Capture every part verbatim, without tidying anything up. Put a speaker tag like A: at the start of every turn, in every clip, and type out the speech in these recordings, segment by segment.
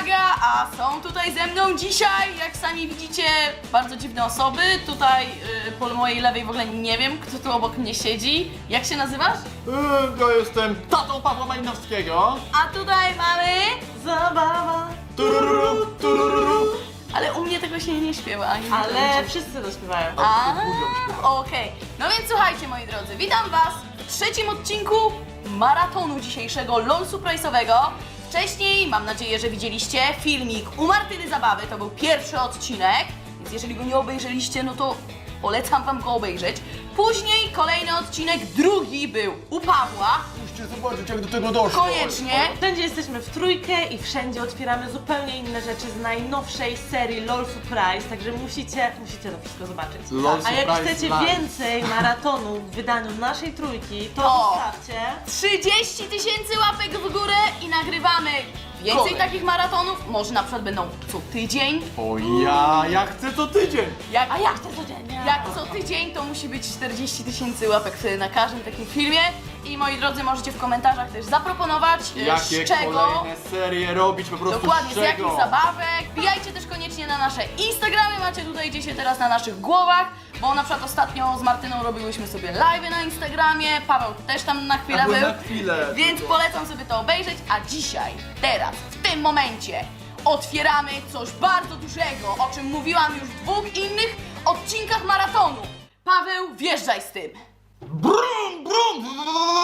A: Aga, a są tutaj ze mną dzisiaj, jak sami widzicie, bardzo dziwne osoby. Tutaj yy, po mojej lewej w ogóle nie wiem, kto tu obok mnie siedzi. Jak się nazywasz?
B: Yy, ja jestem tatą Pawła Malinowskiego.
A: A tutaj mamy...
C: Zabawa.
B: Tururu, tururu.
A: Ale u mnie tego się nie śpiewa. Ani nie
C: Ale
A: będzie.
C: wszyscy to śpiewają.
A: A, okej. No więc słuchajcie, moi drodzy, witam was w trzecim odcinku maratonu dzisiejszego LOL Surprise'owego. Wcześniej, mam nadzieję, że widzieliście filmik u Martyny Zabawy, to był pierwszy odcinek, więc jeżeli go nie obejrzeliście, no to polecam wam go obejrzeć. Później kolejny odcinek, drugi był u Pawła,
B: Musicie zobaczyć, jak do tego doszło.
A: koniecznie.
C: Wszędzie jesteśmy w trójkę i wszędzie otwieramy zupełnie inne rzeczy z najnowszej serii LOL Surprise, także musicie, musicie to wszystko zobaczyć.
B: LOL
C: A jak
B: Surprise
C: chcecie
B: live.
C: więcej maratonu w wydaniu naszej trójki, to
A: O.
C: zostawcie.
A: trzydzieści tysięcy łapek w górę i nagrywamy więcej
B: Kolej.
A: takich maratonów. Może na przykład będą co tydzień.
B: O ja, ja chcę co tydzień.
A: Jak,
C: A jak to codziennie?
A: Jak co tydzień to musi być czterdzieści tysięcy łapek wtedy na każdym takim filmie. I moi drodzy, możecie w komentarzach też zaproponować, y,
B: Jakie
A: z czego.
B: kolejne serie robić, po prostu
A: Dokładnie,
B: z
A: z jakich
B: czego.
A: zabawek. Wbijajcie też koniecznie na nasze Instagramy, macie tutaj gdzieś się teraz na naszych głowach, bo na przykład ostatnio z Martyną robiłyśmy sobie live'y na Instagramie, Paweł też tam na chwilę
B: Ja byłem
A: był,
B: na chwilę,
A: więc
B: tylko.
A: polecam sobie to obejrzeć, a dzisiaj, teraz, w tym momencie otwieramy coś bardzo dużego, o czym mówiłam już w dwóch innych odcinkach maratonu. Paweł, wjeżdżaj z tym.
B: Brum, brum.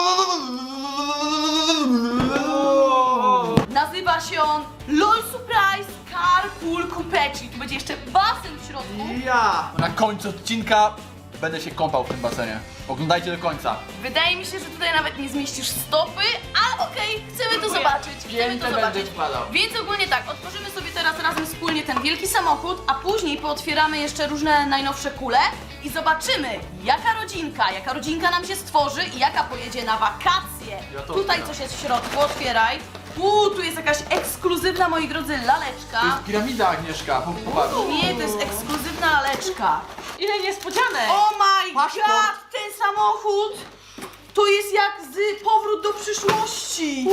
A: Nazywa się on LOL Surprise Carpool Coupetti. Tu będzie jeszcze basen w środku.
B: Ja. Na końcu odcinka będę się kąpał w tym basenie. Oglądajcie do końca.
A: Wydaje mi się, że tutaj nawet nie zmieścisz stopy, ale okej, chcemy to
C: Próbuję.
A: zobaczyć. Chcemy
B: Piętę
A: to
B: będzie
A: zobaczyć.
B: wkładał.
A: Więc ogólnie tak, otworzymy sobie teraz razem wspólnie ten wielki samochód, a później pootwieramy jeszcze różne najnowsze kule i zobaczymy, jaka rodzinka, jaka rodzinka nam się stworzy i jaka pojedzie na wakacje.
B: Ja to
A: Tutaj
B: otwieram.
A: coś jest w środku, otwieraj. Uuu, tu jest jakaś ekskluzywna, moi drodzy, laleczka.
B: To jest piramida, Agnieszka. Po- Popatrz.
A: Nie, to jest ekskluzywna laleczka.
C: Ile niespodzianek!
A: Oh my
B: Paszport.
A: god, ten samochód to jest jak z Powrót do przyszłości.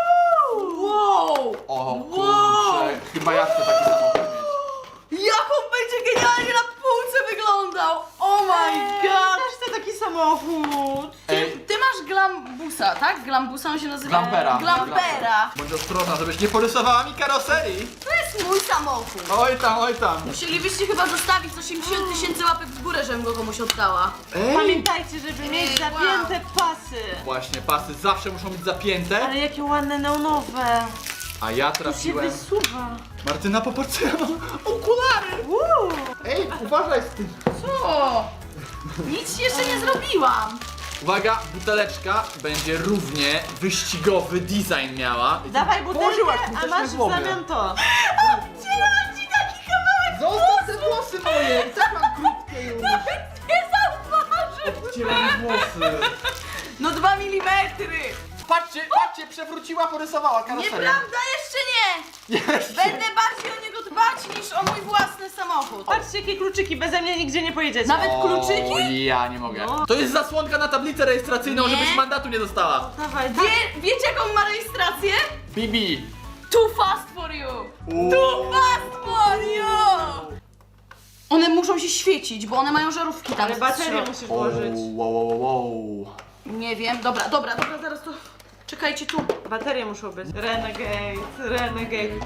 A: Wow!
B: O
A: Wow!
B: kurczę, chyba ja chcę taki samochód mieć.
A: Jak on będzie genialnie na półce wyglądał! Oh my god!
C: Też chcę taki samochód!
B: Ej,
A: Ty, ty masz Glambusa, tak? Glambusa on się nazywa?
B: Glampera.
A: Glampera.
B: Bądź ostrożna, żebyś nie porysowała mi karoserii.
A: To jest mój samochód.
B: Oj tam, oj tam.
A: Musielibyście chyba zostawić osiemdziesiąt tysięcy łapek w górę, żebym go komuś oddała.
B: Ej.
C: Pamiętajcie, żeby mieć
A: Ej,
C: zapięte pasy!
B: Właśnie, pasy zawsze muszą być zapięte.
C: Ale jakie ładne neonowe!
B: A ja
C: To się
B: trafiłem.
C: wysuwa!
B: Martyna, popatrz, co ja mam okulary.
C: Uuu.
B: Ej, uważaj z tym.
A: Co? Nic ci jeszcze nie zrobiłam.
B: Uwaga, buteleczka będzie równie wyścigowy design miała.
C: Dawaj
B: Położyłaś mi
C: butelkę,
B: coś
C: a
B: na
C: masz w
B: głowie.
C: zamian to!
A: Odcinam ci taki kawałek.
B: Zostaw te włosy moje! I tak mam krótkie już.
A: Nie zauważył.
B: Odcieram włosy.
A: No dwa milimetry.
B: Patrzcie, patrzcie, przewróciła, porysowała karoserię.
A: Nieprawda, jeszcze nie.
B: Jeszcze.
A: Będę bardziej o niego dbać niż o mój własny samochód.
C: Patrzcie, jakie kluczyki, beze mnie nigdzie nie pojedziecie.
A: Nawet
B: O,
A: kluczyki?
B: ja nie mogę.
C: No.
B: To jest zasłonka na tablicę rejestracyjną,
A: Nie.
B: żebyś mandatu nie dostała.
C: Dawaj, dawaj.
A: Wie, wiecie jaką ma rejestrację?
B: Bibi.
A: Too fast for you. Too fast for you. One muszą się świecić, bo one mają żarówki tam.
C: Ale
A: w
C: baterię
A: środku.
C: musisz włożyć.
B: wow, wow, wow.
A: Nie wiem, dobra, dobra, dobra, zaraz to... Czekajcie tu.
C: Baterie muszą być. Renegade, Renegade.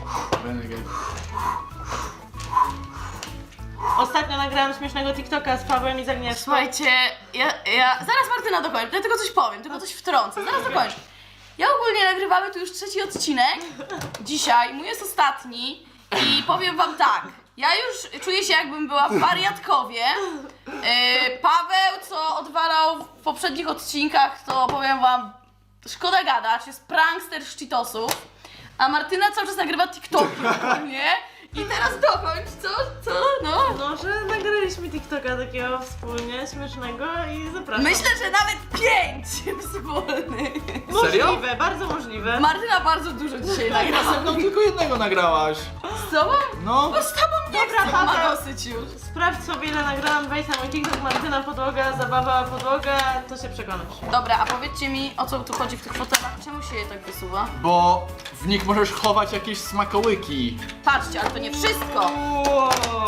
C: Ostatnio nagrałam śmiesznego TikToka z Pawłem i z Agnieszką.
A: Słuchajcie, ja, ja... Zaraz Martyna dokończy, ja tylko coś powiem, tylko coś wtrącę, zaraz dokończę. Ja ogólnie nagrywamy tu już trzeci odcinek. Dzisiaj, mój jest ostatni i powiem wam tak. Ja już czuję się, jakbym była w wariatkowie. Yy, Paweł, co odwalał w poprzednich odcinkach, to powiem wam, szkoda gadać, jest prankster z Cheetosów. A Martyna cały czas nagrywa TikToki, nie? I teraz dokończ, co? Co? No.
C: No, że nagraliśmy TikToka takiego wspólnie, śmiesznego i zapraszam.
A: Myślę, że nawet pięć wspólnych.
B: Serio?
C: Możliwe, bardzo możliwe.
A: Martyna bardzo dużo dzisiaj
B: Ja
A: nagrała.
B: ze mną tylko jednego nagrałaś.
A: Z tobą?
B: No.
A: No z tobą
C: Dobra,
A: chce, ma
C: Paweł.
A: dosyć już.
C: Sprawdź sobie, ile nagrałam, wejdź na mój TikTok, Martyna podłoga, zabawa podłoga, to się przekonasz.
A: Dobra, a powiedzcie mi, o co tu chodzi w tych fotelach? Czemu się je tak wysuwa?
B: Bo w nich możesz chować jakieś smakołyki.
A: Patrzcie, ale to nie wszystko.
C: Wow.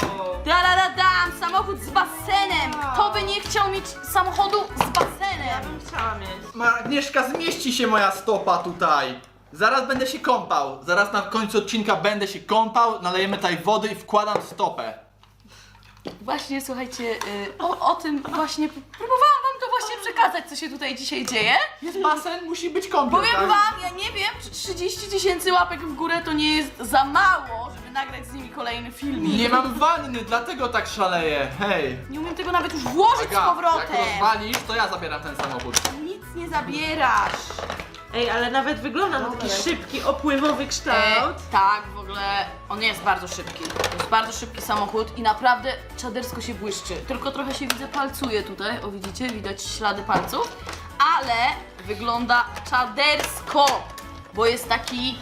A: Dam samochód z basenem. Kto by nie chciał mieć samochodu z
C: Ja
A: basenem?
C: bym chciała mieć.
B: Ma- Agnieszka, zmieści się moja stopa tutaj. Zaraz będę się kąpał. Zaraz na końcu odcinka będę się kąpał, nalejemy tutaj wody i wkładam stopę.
A: Właśnie, słuchajcie, y, o, o tym właśnie, próbowałam wam to właśnie przekazać, co się tutaj dzisiaj dzieje.
B: Jest basen, musi być kąpiel,
A: Powiem
B: tak?
A: wam, ja nie wiem, czy trzydzieści tysięcy łapek w górę to nie jest za mało, żeby nagrać z nimi kolejny filmik.
B: Nie mam wanny, dlatego tak szaleję. Hej.
A: Nie umiem tego nawet już włożyć z
B: Aga, jak
A: powrotem.
B: rozwalisz, to ja zabieram ten samochód.
A: Nic nie zabierasz.
C: Ej, ale nawet wygląda na taki szybki, opływowy kształt.
A: E, tak, w ogóle on jest bardzo szybki. To jest bardzo szybki samochód i naprawdę czadersko się błyszczy. Tylko trochę się widzę palcuje tutaj. O, widzicie? Widać ślady palców. Ale wygląda czadersko, bo jest taki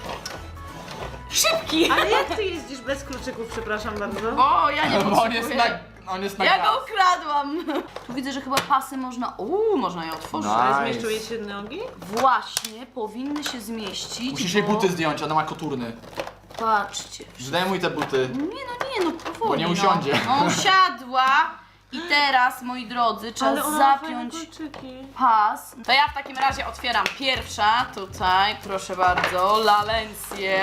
A: szybki.
C: Ale jak ty jeździsz bez kluczyków, przepraszam bardzo?
A: Bo ja nie
B: Bo on jest
A: potrzebuję.
B: na, on jest na
A: Ja
B: gaz.
A: go ukradłam. Tu widzę, że chyba pasy można... Uuu, można je otworzyć.
B: No.
C: Ale
B: Nice.
C: zmieszczą jej się nogi?
A: Właśnie, powinny się zmieścić.
B: Musisz
A: bo...
B: jej buty zdjąć, ona ma koturny.
A: Patrzcie.
B: Zdejmuj te buty.
A: Nie no, nie no, powoli.
B: Bo nie usiądzie.
A: No. No, usiadła i teraz, moi drodzy, trzeba
C: Ale ona ma
A: zapiąć
C: fajne kluczyki.
A: pas. To ja w takim razie otwieram pierwsza, tutaj, proszę bardzo, Lalencję.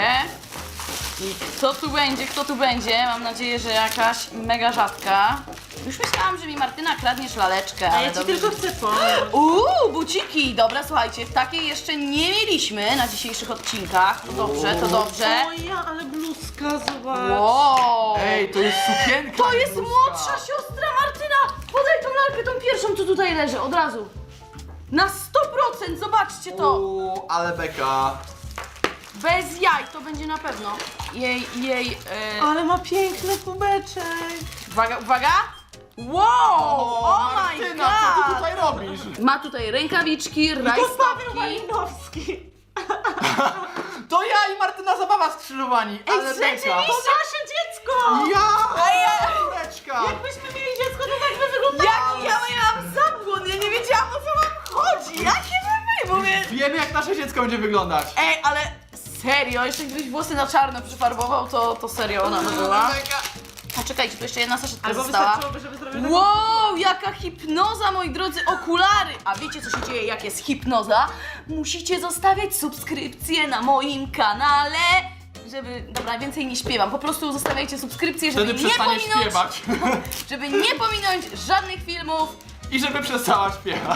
A: I kto tu będzie, kto tu będzie? Mam nadzieję, że jakaś mega rzadka. Już myślałam, że mi Martyna kradniesz laleczkę,
C: A
A: ale
C: ja ci
A: dobrze,
C: tylko
A: że-
C: chcę pomóc.
A: Uuu, buciki! Dobra, słuchajcie, takiej jeszcze nie mieliśmy na dzisiejszych odcinkach. To dobrze, to dobrze.
C: O ja, ale bluzka, zobacz.
A: Wow!
B: Ej, to jest sukienka.
A: To jest
B: bluzka.
A: młodsza siostra Martyna! Podaj tą lalkę, tą pierwszą, co tutaj leży, od razu. Na sto procent, zobaczcie to!
B: Uuu, ale beka.
A: Bez jaj, to będzie na pewno. Jej, jej, e...
C: Ale ma piękny kubeczek.
A: Uwaga, uwaga! Wow! Oh my
B: Martyna, co ty
A: god!
B: tutaj robisz?
A: Ma tutaj rękawiczki,
C: To Paweł
A: rajstopki.
C: Malinowski.
B: To ja i Martyna zabawa skrzyżowani, ale beka.
C: To nasze dziecko!
B: Ja!
A: Ej, ja-
B: Córeczka!
C: Jakbyśmy mieli dziecko, to tak by wyglądało.
A: Jaki ja miałam zabłon, ja nie wiedziałam, o co wam chodzi. Jakie wy wy, mówię...
B: Wiemy, jak nasze dziecko będzie wyglądać.
A: Ej, ale serio, jeszcze gdybyś włosy na czarno przyfarbował, to, to serio ona by była. A czekajcie, tu jeszcze jedna saszetka
C: Albo
A: została.
C: wystarczyłoby, żeby zrobić taką...
A: Wow, jaka hipnoza, moi drodzy, okulary! A wiecie, co się dzieje, jak jest hipnoza? Musicie zostawiać subskrypcję na moim kanale, żeby... Dobra, więcej nie śpiewam, po prostu zostawiajcie subskrypcję, żeby
B: Wtedy
A: nie
B: przestanie
A: pominąć...
B: śpiewać.
A: Żeby nie pominąć żadnych filmów.
B: I żeby przestała śpiewać.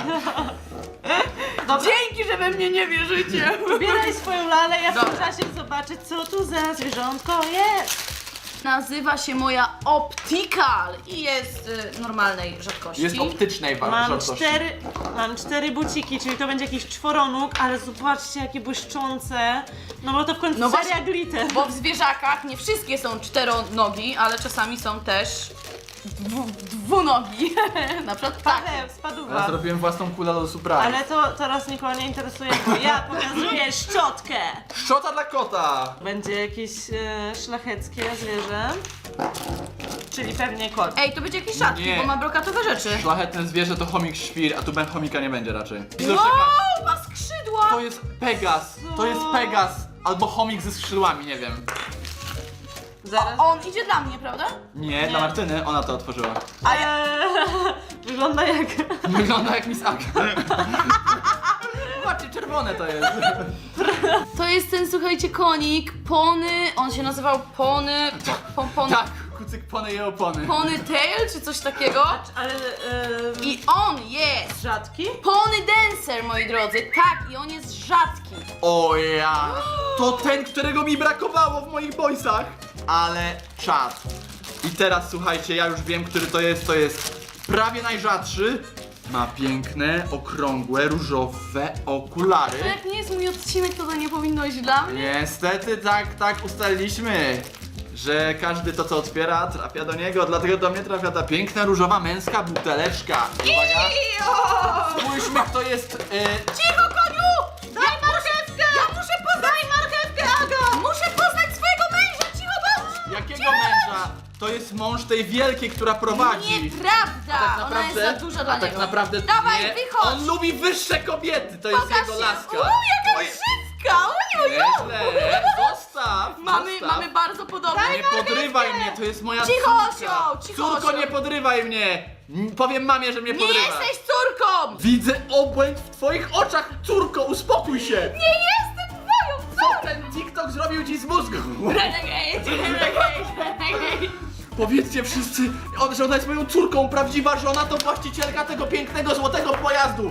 A: Dzięki, że we mnie nie wierzycie.
C: Bieraj swoją lalę, ja w tym
A: Dobra.
C: czasie zobaczę, co tu za zwierzątko jest.
A: Nazywa się moja Optical i jest y, normalnej rzadkości.
B: Jest optycznej
C: Mam
B: wartości.
C: cztery, mam cztery buciki, czyli to będzie jakiś czworonóg, ale zobaczcie jakie błyszczące. No bo to w końcu
A: No
C: seria
A: właśnie,
C: glitter.
A: Bo w zwierzakach nie wszystkie są czteronogi, ale czasami są też dwu, dwunogi. Na przykład tak.
C: Paweł,
B: Ja
C: spadła.
B: zrobiłem własną kulę do surprise.
C: Ale to teraz nikogo nie interesuje, bo ja pokazuję szczotkę.
B: Szczota dla kota!
C: Będzie jakieś e, szlacheckie zwierzę. Czyli pewnie kot.
A: Ej, to będzie jakiś rzadki,
B: Nie.
A: bo ma brokatowe rzeczy.
B: Szlachetne zwierzę to chomik świr, a tu ben chomika nie będzie raczej.
A: Wow, ma skrzydła!
B: To jest Pegas, to jest Pegas. Albo chomik ze skrzydłami, nie wiem.
C: Zaraz.
A: On idzie dla mnie, prawda?
B: Nie, dla Martyny, ona to otworzyła.
C: A ja... Wygląda jak...
B: Wygląda jak Miss Aga. Zobaczcie, czerwone to jest.
A: To jest ten, słuchajcie, konik, Pony, on się nazywał Pony, po, pony,
B: Tak, kucyk pony i opony.
A: Pony Tail, czy coś takiego.
C: Ale... E,
A: I on jest
C: rzadki?
A: Pony Dancer, moi drodzy, tak, i on jest rzadki.
B: O ja! To ten, którego mi brakowało w moich boysach. Ale czad. I teraz słuchajcie, ja już wiem, który to jest. To jest prawie najrzadszy. Ma piękne, okrągłe, różowe okulary.
A: To jak nie jest mój odcinek, to to nie powinno iść dla mnie.
B: Niestety tak, tak ustaliliśmy, że każdy to co otwiera trafia do niego, dlatego do mnie trafia ta piękna, różowa, męska buteleczka. Uwaga, spójrzmy kto jest... E,
A: Cicho, koniu! Daj marchewkę! Ja muszę poznać... Daj marchewkę, Aga! Muszę poznać swojego męża, cicho bądź!
B: jakiego męża? to jest mąż tej wielkiej, która prowadzi.
A: Nieprawda!
B: Tak
A: Ona jest za duża dla
B: a tak
A: niego.
B: naprawdę
A: Dawaj,
B: nie.
A: wychodź!
B: On lubi wyższe kobiety, to jest
A: Pokaż
B: jego
A: się.
B: laska.
A: O, jaka
B: Oj,
A: brzydka! Oj, oj, oj.
B: Nieźle, zostaw,
A: Mamy,
B: zostaw.
A: mamy bardzo podobne.
B: Nie podrywaj mnie, to jest moja
A: Cicho,
B: córka.
A: osioł, cicho,
B: Córko,
A: osioł.
B: nie podrywaj mnie. M, Powiem mamie, że mnie
A: Nie
B: podrywa.
A: jesteś córką!
B: Widzę obłęd w twoich oczach, córko, uspokój się.
A: Nie jestem twoją
B: Co ten TikTok zrobił ci z mózgu?
A: Renegade, renegade.
B: Powiedzcie wszyscy, on- że ona jest moją córką, prawdziwa żona to właścicielka tego pięknego złotego pojazdu.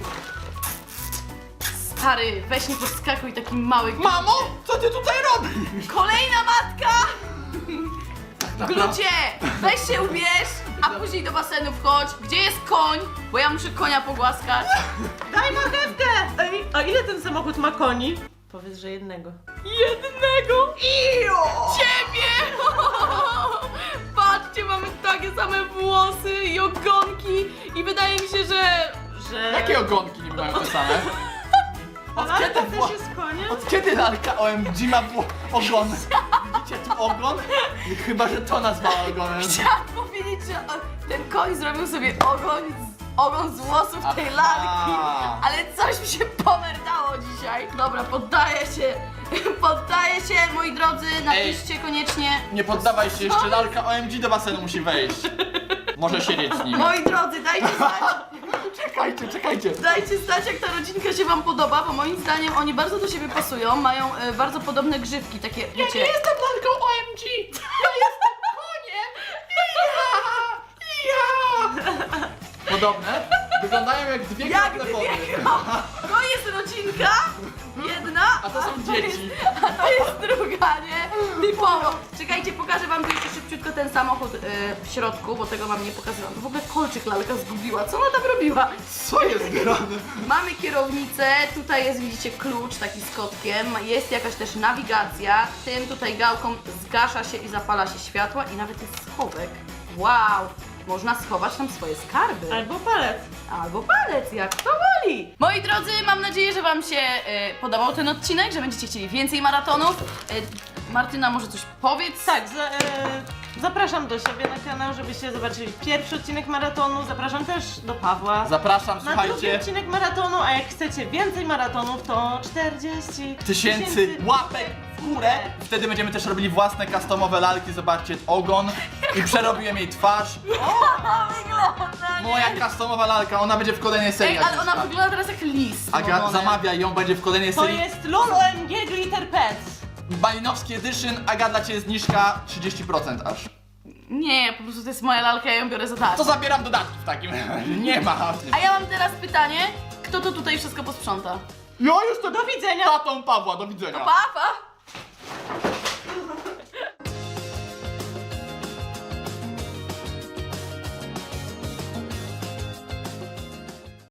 A: Stary, weź nie podskakuj takim małym.
B: Mamo, co ty tutaj robisz?
A: Kolejna matka!
B: Naprawdę?
A: Glucie, weź się ubierz, a później do basenu wchodź. Gdzie jest koń? Bo ja muszę konia pogłaskać.
C: Daj marchewkę! Ej, a ile ten samochód ma koni? Powiedz, że jednego.
A: Jednego? Ciebie! Patrzcie, mamy takie same włosy i ogonki i wydaje mi się, że...
C: Że...
B: Jakie ogonki nie mają te same? Od
C: Ale
B: kiedy,
C: to
B: wło-
C: też jest koniem?
B: od kiedy lalka O M G ma wło- ogon? Widzicie tu ogon? Chyba, że to nazwała ogonem.
A: Chciałam powiedzieć, że o- ten koń zrobił sobie ogon z, ogon z włosów tej
B: Aha.
A: lalki, ale coś mi się pomerdało dzisiaj. Dobra, poddaję się, poddaję się, moi drodzy, napiszcie koniecznie.
B: Nie poddawaj się, jeszcze lalka O M G do basenu musi wejść. Może siedzieć z nim.
A: Moi drodzy, dajcie znać,
B: Czekajcie, czekajcie.
A: dajcie znać, jak ta rodzinka się wam podoba, bo moim zdaniem oni bardzo do siebie pasują, mają e, bardzo podobne grzywki, takie, wiecie...
B: jestem lalką O M G! Ja jestem koniem! Ja! Ja! Podobne? Wyglądają jak dwie
A: Jak
B: krople
A: dwie
B: wody.
A: To jest rodzinka, jedna,
B: A to są dzieci.
A: Jest, a to jest druga, nie? Typowo. Czekajcie, pokażę wam tu jeszcze szybciutko ten samochód y, w środku, bo tego wam nie pokazałam. W ogóle kolczyk lalka zgubiła, co ona tam robiła?
B: Co jest grane?
A: Mamy kierownicę, tutaj jest, widzicie, klucz taki z kotkiem, jest jakaś też nawigacja, tym tutaj gałką zgasza się i zapala się światła i nawet jest schowek. Wow! Można schować tam swoje skarby.
C: Albo palec.
A: Albo palec, jak to woli. Moi drodzy, mam nadzieję, że wam się e, podobał ten odcinek, że będziecie chcieli więcej maratonów. E, Martyna, może coś powiedz?
C: Tak, za, e, zapraszam do siebie na kanał, żebyście zobaczyli pierwszy odcinek maratonu. Zapraszam też do Pawła.
B: Zapraszam,
C: Na drugi
B: słuchajcie.
C: odcinek maratonu, a jak chcecie więcej maratonów, to czterdzieści
B: Tysięcy łapek w górę. Wtedy będziemy też robili własne customowe lalki. Zobaczcie, ogon. I przerobiłem jej twarz.
A: Wygląda, nie?
B: Moja customowa lalka, ona będzie w kolejnej serii.
A: Ej, ale
B: jak
A: ona
B: wyszła.
A: wygląda teraz jak lis.
B: Aga,
A: złożone.
B: zamawia ją, będzie w kolejnej
C: To
B: serii.
C: jest Lulu M G Glitter Pets.
B: Balinowski Edition, Aga, dla Ciebie zniżka trzydzieści procent aż.
A: Nie, po prostu to jest moja lalka, ja ją biorę za darmo.
B: To zabieram dodatki w takim razie. Nie ma.
A: A ja mam teraz pytanie, kto to tutaj wszystko posprząta?
B: Ja jestem
C: Do widzenia.
B: tatą Pawła, do widzenia.
A: Pa, pa!